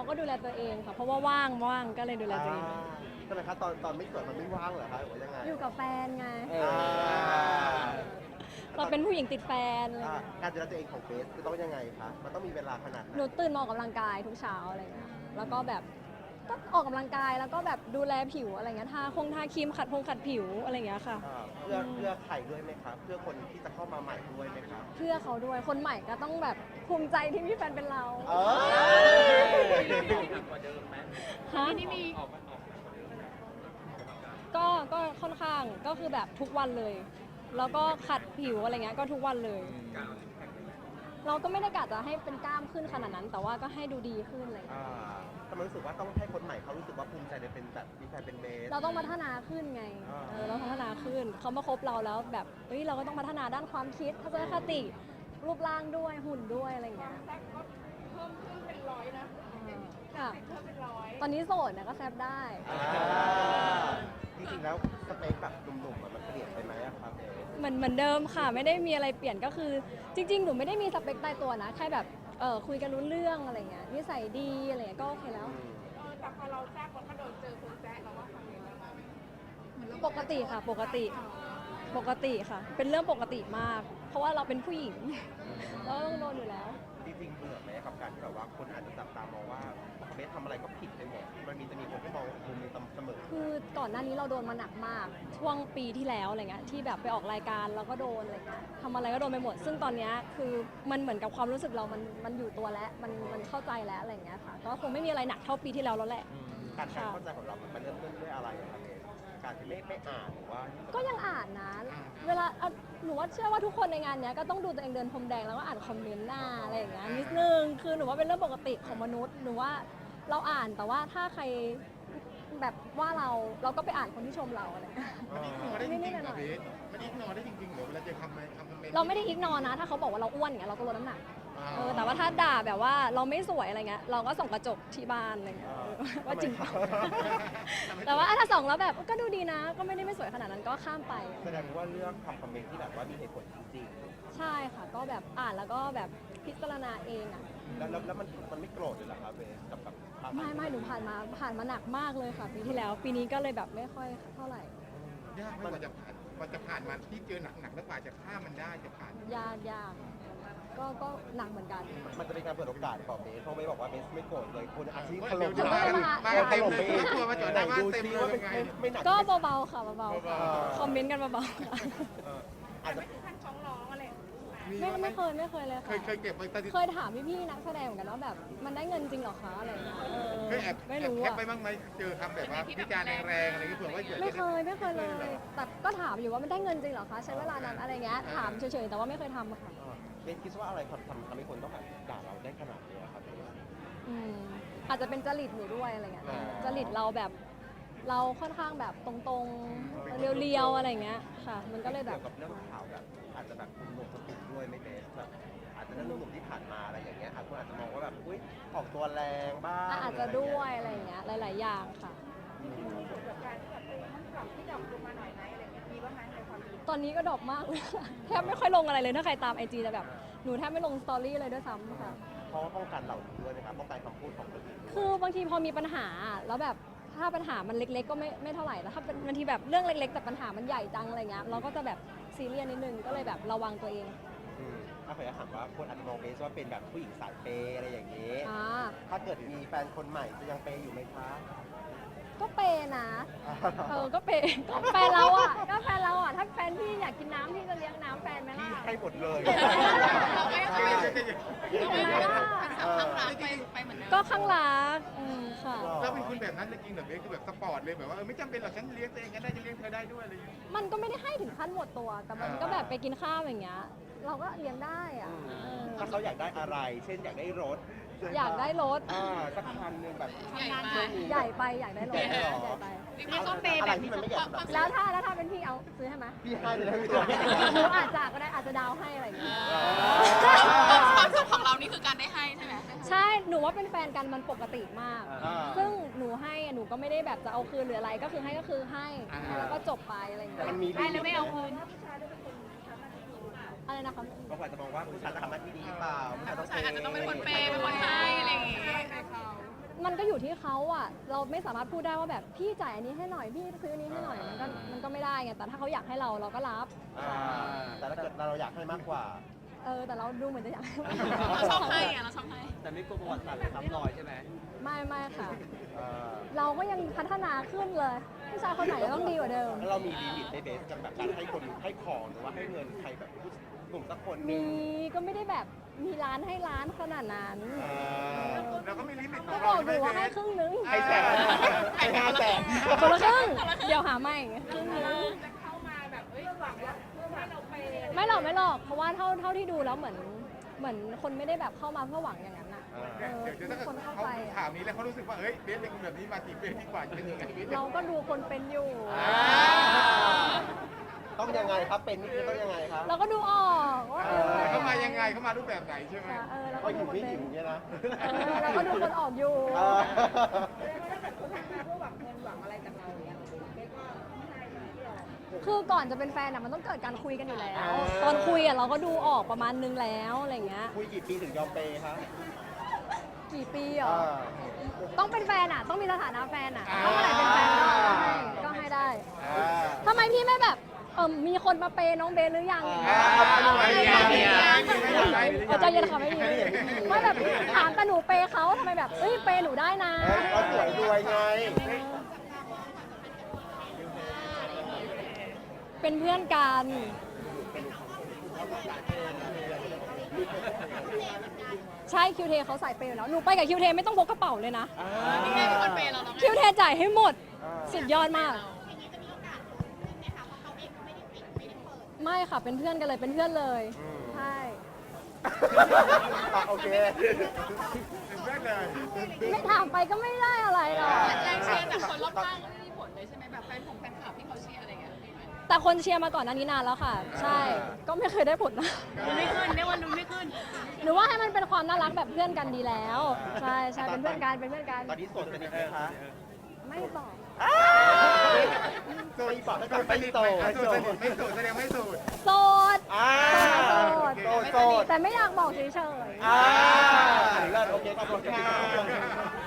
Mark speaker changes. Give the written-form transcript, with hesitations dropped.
Speaker 1: ก็ดูแลตัวเองค่ะเพราะว่าว่างก็เลยดูแลตัวเอง
Speaker 2: ใช่ไหมคะตอนไม่เกิดมันไม่ว่างเหรอคะหรือว่ายังไง
Speaker 1: อยู่กับแฟนไง
Speaker 2: อ่า
Speaker 1: เราเป็นผู้หญิงติดแฟนอะไรเงี้ย
Speaker 2: การดูแลตัวเองของเบสจะต้องยังไงคะมันต้องมีเวลาขนาดไหน
Speaker 1: หนูตื่นมาออกกำลังกายทุกเช้าอะไรเงี้ยแล้วก็แบบก็ออกกำลังกายแล้วก็แบบดูแลผิวอะไรเงี้ยทาครีมขัดผิวอะไรเงี้ยค่ะ
Speaker 2: เพื่อใครด้วยไหมคะเพื่อคนที่จะเข้ามาใหม่ด้วยไหมคะ
Speaker 1: เพื่อเขาด้วยคนใหม่ก็ต้องแบบภูมิใจที่มีแฟนเป็นเรา
Speaker 2: เออ
Speaker 1: ฮะก็ค่อนข้างก็คือแบบทุกวันเลย แล้วก็ขัดผิวอะไรเงี้ยก็ทุกวันเลย เราก็ไม่ได้กะจะให้เป็นกล้ามขึ้นขนาดนั้น แต่ว่าก็ให้ดูดีขึ้นอะไรเลย
Speaker 2: ทำไมรู้สึกว่าต้องให้คนใหม่เขารู้สึกว่าภูมิใจในเป็นแบบมีแฟนเป็นเบส
Speaker 1: เราต้องพัฒนาขึ้นไง เราพัฒนาขึ้นเขามาคบเราแล้วแบบเฮ้ยเราก็ต้องพัฒนาด้านความคิดทัศนคติรูปร่างด้วยหุ่นด้วยอะไรอย่างเงี้ย
Speaker 3: เพิ่มขึ้นเป็นร้อยนะ
Speaker 1: ค่ะ
Speaker 3: เพิ่มเป็นร้อย
Speaker 1: ตอนนี้โสดนะก็แซบได้
Speaker 2: จริงๆแล้วสเปคแบบหนุ่มๆมันเปลี่ยนไปไหมอะครับเบส
Speaker 1: เหมือนเดิมค่ะไม่ได้มีอะไรเปลี่ยนก็คือ จริง ๆ หนูไม่ได้มีสเปคตายตัวนะแค่แบบคุยกันรู้เรื่องอะไรเงี้ยนิสัยดีอะไรเงี้ยก็โอเคแล้ว
Speaker 3: แต่พอเราแทรกมันก็โดนเจอคนแซะเราว่าทำยังไงบ้าง
Speaker 1: ปกติค่ะปกติค่ะ เป็นเรื่องปกติมาก เพราะว่าเราเป็นผู้หญิง เราต้องโดนอยู่แล้ว
Speaker 2: จริงๆเบื่อไหมกับการที่แบบว่าคนอาจจะจับตามองว่าเบสทำอะไรก็ผิดไปหมดจะมีคนที่มองมุมนี้เสมอ
Speaker 1: คือก่อนหน้านี้เราโดนมาหนักมาก ช่วงปีที่แล้วอะไรเงี้ยที่แบบไปออกรายการเราก็โดนอะไรเงี้ยทำอะไรก็โดนไปหมด ซึ่งตอนเนี้ยคือมันเหมือนกับความรู้สึกเรามันอยู่ตัวแล้วมันเข้าใจแล้วอะไรเงี้ยค่ะก็คงไม่มีอะไรหนักเท่าปีที่แล้วแล้วแหละ
Speaker 2: การทำเข้าใจของเรามันเริ่มต้นด้วยอะไรอะครับเบสการที่ไม่อ่านหรือว่า
Speaker 1: ก็ยังอ่านนะเวลาหนูว่าเชื่อว่าทุกคนในงานเนี้ยก็ต้องดูตัวเองเดินพรมแดงแล้วก็อ่านคอมเมนต์หน้าอะไรอย่างเงี้ยนิดนึงคือหนูว่าเป็นเรื่องปกติของมนุษย์หนูว่าเราอ่านแต่ว่าถ้าใครแบบว่าเราก็ไปอ่านคนที่ชมเราอะไรเงี้ย
Speaker 4: มันอิกนอได้จริงๆเหรอเบสมันอิกนอได้จริงๆเหรอเวลาเจอคอมเมนต์
Speaker 1: เราไม่ได้อิกนอนะถ้าเขาบอกว่าเราอ้วนอย่างเงี้ยเราก็ลดน้ำหนักแต่ว่าถ้าด่าแบบว่าเราไม่สวยอะไรเงี้ยเราก็ส่องกระจกที่บ้านอะไรเงี้ยว่าจริงเปล่าแต่ว่าถ้าส่องแล้วแบบก็ดูดีนะ ก็ไม่ได้ไม่สวยขนาดนั้นก็ข้ามไป
Speaker 2: แสดงว่าเรื่องทำคอมเมนต์ที่แบบว่ามีเหตุผลจริง
Speaker 1: ใช่ค่ะก็แบบอ่านแล้วก็แบบพิจารณาเองอ่ะ
Speaker 2: ๆแล้วมันไม่โกรธเลยเหรอครับเบสกับความ
Speaker 1: ไม่หนูผ่านมาหนักมากเลยค่ะปีที่แล้ว ปีนี้ก็เลยแบบไม่ค่อยเท่าไหร่
Speaker 4: ยากไหมกว่าจะผ่านมาที่เจอหนักๆแล้วกว่าจะข้ามมันได้จะผ่าน
Speaker 1: ยากก็หนักเหมือนกัน
Speaker 2: มันจะเป็นการเปิดโอกาสของเบสเพราะเบสบอกว่าเบสไม่โกรธเลยคุณอาชีพถ
Speaker 4: เดี๋
Speaker 2: ล่
Speaker 4: ยว
Speaker 2: ม
Speaker 4: จะมาเต็มเลยกลัวมาจอดหน้าบ้านเต็มเลย
Speaker 2: ว่า
Speaker 4: ยังไง
Speaker 2: ไม่หนัก
Speaker 1: ก็เบาๆค่ะเบาๆค่ะคอมเมนต์กันเบาๆค่ะ
Speaker 2: อาจจะ
Speaker 3: ไม่ถึงขั้นฟ้องร้องอะไร
Speaker 1: ไม่เคยเลยค่ะ
Speaker 4: เคยเก็บไว้ตอนที่
Speaker 1: เคยถามพี่ๆนักแสดงเหมือนกันว่าแบบมันได้เงินจริงเหรอคะอะไรอย่างเงี้ย
Speaker 4: เคยแอบ
Speaker 1: ไม่รู้
Speaker 4: แคป
Speaker 1: อะ
Speaker 4: ไปบ้างไหมเจอคำแบบว่าวิจารณ์แรงๆอะไรอย่างเงี้ยเผื่อว่าเกิด
Speaker 1: ไม่เคยเลยแต่ก็ถามอยู่ว่ามันได้เงินจริงเหรอคะใช้เวลานานอะไรเงี้ยถามเฉยๆแต่ว่าไม่เคยทำอะค่ะ
Speaker 2: เบสคิดว่าอะไรทำให้คนต้องแบบด่าเราได้ขนาดนี้ครับเบส
Speaker 1: อาจจะเป็นจริตหนูด้วยอะไรเงี้ย
Speaker 2: อ๋อ
Speaker 1: จริตเราแบบเราค่อนข้างแบบตรงๆเรียวๆอะไรเงี้ยค่ะ มันก็เลยแบบ
Speaker 2: เกี่ยวกับเรื่องข่าวแบบอาจจะแบบหนุ่มๆสติด้วยไม่เบสแบบอาจจะเรื่องหนุ่มๆที่ผ่านมาอะไรอย่างเงี้ยคนอาจจะมองว่าแบบอุ้ยออกตัวแรงบ้าง
Speaker 1: อาจจะด้วยอะไรเงี้ยหลายๆอย่างค่ะ
Speaker 3: มีผลกับการที่แบบมันปรับที่ดรอปลงมาหน่อยไหมอะไรเงี้ยมีบ้างไหมในความคิด
Speaker 1: ตอนนี้ก็ดรอปมากเลยค่ะแทบไม่ค่อยลงอะไรเลยถ้าใครตามไอจีจะแบบหนูแทบไม่ลงสตอรี่เลยด้วยซ้ำค่ะ
Speaker 2: เพราะว่าป้องกันเหล่านี้ด้วยนะครับป้องกันคำพูดของคนอื่นด้วย
Speaker 1: คือบางทีพอมีปัญหาแล้วแบบถ้าปัญหามันเล็กๆก็ไม่เท่าไหร่แต่ถ้าเป็นบางทีแบบเรื่องเล็ก ๆ แต่ปัญหามันใหญ่จังอะไรเงี้ยเราก็จะแบบซีเรียสนิดนึงก็เลยแบบระวังตัวเอง
Speaker 2: ถ้าเคยถามว่าคนอาจจะมองเบสว่าเป็นแบบผู้หญิงสายเปย์อะไรอย่างนี้
Speaker 1: อ่า
Speaker 2: ถ้าเกิดมีแฟนคนใหม่จะยังเปย์อยู่ไหมคะ
Speaker 1: ก็เปย์นะก็เปย์ก็แฟนเราอ่ะถ้าแฟนพี่อยากกินน้ำพี่จะเลี้ยงน้ำแฟนไหม
Speaker 2: พี่
Speaker 1: ล่ะ
Speaker 2: ให้หมดเลย
Speaker 1: เห็นไหมล่ะ ก็ข้างรักค่ะ
Speaker 4: เราเป็นคนแบบนั้นจริงเหรอเบสคือแบบสปอร์ตเลยแบบว่าไม่จำเป็นหรอกฉันเลี้ยงตัวเองก็ได้จะเลี้ยงเธอได้ด้วยอะไรอย่างเงี้ย
Speaker 1: มันก็ไม่ได้ให้ถึงขั้นหมดตัว แต่มันก็แบบไปกินข้าวอย่างเงี้ย เราก็เลี้ยงได้อ่ะ
Speaker 2: ถ้าเขาอยากได้อะไร เช่นอยากได้รถ
Speaker 1: อยากได้รถ
Speaker 2: สักคันหนึงแบบ
Speaker 1: ใหญ่ไปอยากได้รถ
Speaker 2: ใหญ่ไปเหรอ
Speaker 1: ใหญ่ไป
Speaker 2: อะไรที่มันไม่ใหญ่สำหรับ
Speaker 1: แล้วถ้าเป็นพี่เอาซื้อให้ไหม
Speaker 2: พี่ให้เลยนะพี่ตัว
Speaker 1: หนูอาจจะก็ได้อาจจะดาวให้อะไรอย่างเงี้ย
Speaker 5: ความสุขของเรานี่คือการได้ให้ใช่ไหม
Speaker 1: ใช่ หนูว่าเป็นแฟนกันมันปกติมาก ซึ่งหนูให้อะหนูก็ไม่ได้แบบจะเอาคืนหรืออะไร ก็คือให้ก็คือให้ แล้วก็จบไปอะไรอย่างเงี้ย
Speaker 2: มันมีลิมิตไหม
Speaker 1: อะไรนะคะ
Speaker 2: บางคนอาจจะมองว่าผู้ชายจะทำหน้าที่ดีหรือเปล่าผู้ชายต้อง
Speaker 5: ผู้ชายอาจจะต้องเป็นคนเปย์เป็นคนให้อะไรอย่างงี้
Speaker 1: อยู่ที่เขาอ่ะเราไม่สามารถพูดได้ว่าแบบพี่จ่ายอันนี้ให้หน่อยพี่ซื้ออันนี้ให้หน่อยมันก็ไม่ได้ไงแต่ถ้าเขาอยากให้เราก็รับ
Speaker 2: แต่ถ้าเกิดเราอยากให้มากกว่า
Speaker 1: แต่เราดูเหมือนจะอยากให้
Speaker 5: เราชอบให้อะเราชอบให้
Speaker 6: แต่ไม่กลัวประวัติศาสตร์ซ้ำรอยใช่ไหม
Speaker 1: ไม่ค่ะ
Speaker 2: อ่า
Speaker 1: เราก็ยังพัฒนาขึ้นเลยผู้ชายคนไหนก็ต้องดีกว่าเดิม
Speaker 2: แล้วเรามีลิมิตในเบสกับแบบการให้คนให้ของหรือว่าให้เงินใครแบบกลุ่มสักคนหนึ
Speaker 1: มี
Speaker 2: ง
Speaker 1: ก็ไม่ได้แบบมีร้านให้ร้านขนาดนั้น
Speaker 4: เราก็มีลิมิตข
Speaker 1: ก็
Speaker 4: อง
Speaker 1: บ
Speaker 4: เรา
Speaker 1: อกอ
Speaker 4: ใช่
Speaker 1: ยู่
Speaker 4: ไหม
Speaker 1: ว่า
Speaker 4: เบ
Speaker 1: ให้
Speaker 4: ส
Speaker 1: ครึ่งนึง
Speaker 2: ให้แสนให้500,000
Speaker 1: คนละครึ่งเดี๋ยวหาใหม่ครึ่งนึง
Speaker 3: จะเข้ามาแบบหวังว่าเพื่อให้เราไป
Speaker 1: ไม่หรอกเพราะว่าเท่าที่ดูแล้วเหมือนคนไม่ได้แบบเข้ามาเพื่อหวังอย่างนั้นอ่ะ
Speaker 4: เดี๋ยวถ้า
Speaker 1: คนเข้า
Speaker 4: เขา
Speaker 1: ไป
Speaker 4: ดูข่าวนี้แล้วเขารู้สึกว่าเฮ้ยเบสเป็นคนแบบนี้มาจีบเบสดีกว่าจะเป็นยังไงเบส
Speaker 1: เราก็ดูคนเป็นอยู่
Speaker 2: ต้องยังไงครับเป็นนี่คือต้องยังไงครับ
Speaker 1: เราก็ดูออกว่า
Speaker 4: เขามายังไงเขามารูปแบบไหนใช่ไหม
Speaker 1: เรา
Speaker 2: ก็
Speaker 1: ก็
Speaker 2: หิ
Speaker 1: ดู
Speaker 2: ว
Speaker 1: คน
Speaker 2: ไม่
Speaker 1: เป็
Speaker 2: หิ
Speaker 1: น
Speaker 2: วเนี่ยนะ
Speaker 1: เราก็ดูคนออกอยู่
Speaker 2: เออ
Speaker 3: ถ้าเกิดคนทักมาเพื่อหวังเงินหวังอะไรจากเราเนี่ยเบ๊ก็ไม่ให้เลยที่เรา
Speaker 1: คือก่อนจะเป็นแฟนอะมันต้องเกิดการคุยกันอยู่แล้ว ตอนคุยอะเราก็ดูออกประมาณนึงแล้วอะไรเงี้ย
Speaker 2: คุยกี่ปีถึงยอมเปย์ครับ
Speaker 1: กี่ปีเหรอ
Speaker 2: อ่า
Speaker 1: ต้องเป็นแฟนอะต้องมีสถานะแฟนอะถ้าเมื่อไหร่เป็นแฟนก็ให้ได้
Speaker 2: อ่า
Speaker 1: ทำไมพี่ไม่แบบมีคนมาเปย์น้องเบนหรือยังอย่างเงี้ย ใจเย็นค่ะไม่มีไม่แบบถามแต่หนูเปย์เขาทำไมแบบเปย์หนูได้นะ
Speaker 2: ก็สวยรวยไง
Speaker 1: เป็นเพื่อนกันใช่คิวเทเขาใส่เปย์อยู่แล้วหนูไปกับคิวเทไม่ต้องพกกระเป๋าเลยนะ
Speaker 5: นี่ไงเป็นคนเปย์เราแล้วไง
Speaker 1: คิวเทจ่ายให้หมดสุดยอดมาก ไม่ค่ะเป็นเพื่อนกันเลยเป็นเพื่อนเลยใช่
Speaker 2: โอเค
Speaker 4: เป็นเพื่อนเลย
Speaker 1: ไม่ถามไปก็ไม่ได้อะไรหรอก
Speaker 5: แรงเชียร์จากคนรอบข้างก็ไม่มีผลเลยใช่ไหมแบบแฟนคลับที่เขาเชียร์อะไรเงี้ยมีไหม
Speaker 1: แต่คนเชียร์มาก่อนหน้านี้นานแล้วค่ะ ใช่ก็ไม่เคยได้ผลนะ
Speaker 5: ไม่ขึ้นเรียกว่าลุ้นไม่ขึ้น
Speaker 1: หรือว่าให้มันเป็นความน่ารักแบบเพื่อนกันดีแล้ว ใช่เป็นเพื่อนกันเป็นเพื่อนกัน
Speaker 2: ตอนนี้โสดสนิทไหมคะ
Speaker 1: ไม่บอก
Speaker 2: โสดบอกให้
Speaker 4: โส
Speaker 2: ก่อน
Speaker 4: ด
Speaker 2: ไป
Speaker 4: สนิท
Speaker 2: โส
Speaker 4: ไหม
Speaker 2: ด
Speaker 4: โสดสนิทไม่โสดแสดงไม่โสด
Speaker 1: โสด
Speaker 2: โสดโสด
Speaker 1: แต่ไม่อยากบอกเฉย
Speaker 2: เลิศโอเคขอบคุณค่ะ